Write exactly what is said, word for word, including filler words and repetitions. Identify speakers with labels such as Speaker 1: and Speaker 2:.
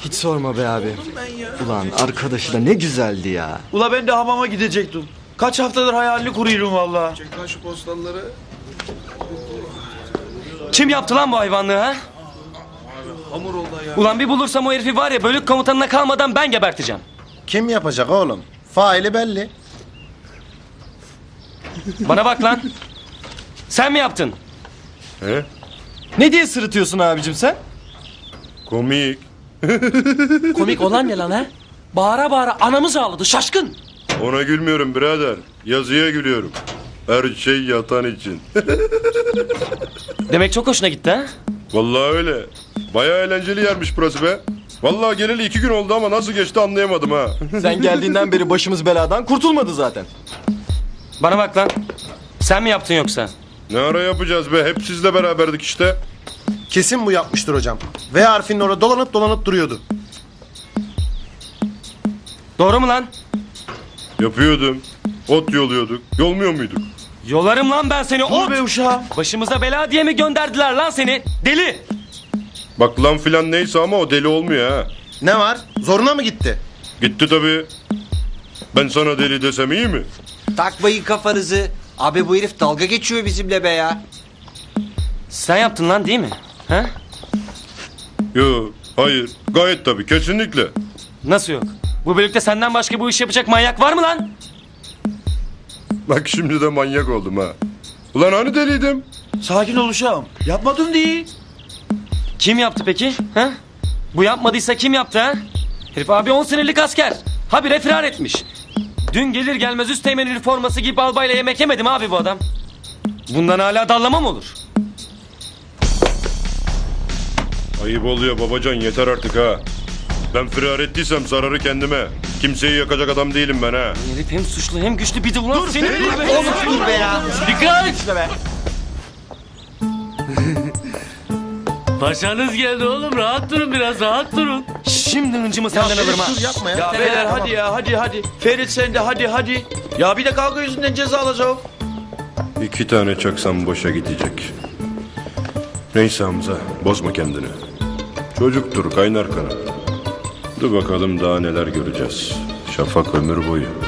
Speaker 1: Hiç sorma be abi. Ulan arkadaşı da ne güzeldi ya.
Speaker 2: Ula ben de hamama gidecektim. Kaç haftadır hayalini kuruyorum valla.
Speaker 3: Çek lan şu postalları.
Speaker 4: Kim yaptı lan bu hayvanlığı ha?
Speaker 3: Hamur oldu ya.
Speaker 4: Ulan bir bulursam o herifi var ya bölük komutanına kalmadan ben geberteceğim.
Speaker 5: Kim yapacak oğlum? Faili belli.
Speaker 4: Bana bak lan. Sen mi yaptın?
Speaker 6: He?
Speaker 1: Ne diye sırıtıyorsun abicim sen?
Speaker 6: Komik.
Speaker 7: Komik olan ne lan ha? Bağıra bağıra anamız ağladı şaşkın.
Speaker 6: Ona gülmüyorum birader. Yazıya gülüyorum. Her şey yatan için.
Speaker 4: Demek çok hoşuna gitti ha?
Speaker 6: Vallahi öyle. Bayağı eğlenceli yermiş burası be. Vallahi geleli iki gün oldu ama nasıl geçti anlayamadım ha.
Speaker 1: Sen geldiğinden beri başımız beladan kurtulmadı zaten.
Speaker 4: Bana bak lan. Sen mi yaptın yoksa?
Speaker 6: Ne ara yapacağız be? Hep sizle beraberdik işte.
Speaker 5: Kesin bu yapmıştır hocam. V harfinin orada dolanıp dolanıp duruyordu.
Speaker 4: Doğru mu lan?
Speaker 6: Yapıyordum. Ot yoluyorduk. Yolmuyor muyduk?
Speaker 4: Yolarım lan ben seni.
Speaker 2: Dur
Speaker 4: Ot!
Speaker 2: be uşağım.
Speaker 4: Başımıza bela diye mi gönderdiler lan seni? Deli!
Speaker 6: Bak lan filan neyse ama o deli olmuyor ha.
Speaker 5: Ne var? Zoruna mı gitti?
Speaker 6: Gitti tabii. Ben sana deli desem iyi mi?
Speaker 8: Takmayın kafanızı. Abi bu herif dalga geçiyor bizimle be ya.
Speaker 4: Sen yaptın lan değil mi? Ha?
Speaker 6: Yo, hayır. Gayet tabii, kesinlikle.
Speaker 4: Nasıl yok? Bu bölükte senden başka bu iş yapacak manyak var mı lan?
Speaker 6: Bak şimdi de manyak oldum ha. Ulan hani deliydim?
Speaker 2: Sakin ol uşağım. Yapmadım değil.
Speaker 4: Kim yaptı peki? Ha? Bu yapmadıysa kim yaptı ha? Herif abi on senelik asker. Habire firar etmiş. Dün gelir gelmez üsteğmen üniforması giyip albayla yemek yemedim abi bu adam. Bundan hala dallama mı olur?
Speaker 6: Ayıp oluyor babacan, yeter artık ha. Ben firar ettiysem zararı kendime. Kimseyi yakacak adam değilim ben ha.
Speaker 4: Herif hem suçlu hem güçlü bir de ulan dur, seni... Dur be!
Speaker 8: Oğlum dur be ya.
Speaker 4: Dikkat!
Speaker 7: Paşanız geldi oğlum rahat durun biraz rahat durun.
Speaker 4: Şimdi hıncımı senden alırım ha.
Speaker 5: Dur yapma ya.
Speaker 2: Ya beyler hadi ya hadi hadi. Ferit sen de hadi hadi. Ya bir de kavga yüzünden ceza alacağım.
Speaker 6: İki tane çaksam boşa gidecek. Neyse Hamza, bozma kendini. Çocuktur, kaynar kanat. Dur bakalım daha neler göreceğiz. Şafak ömür boyu.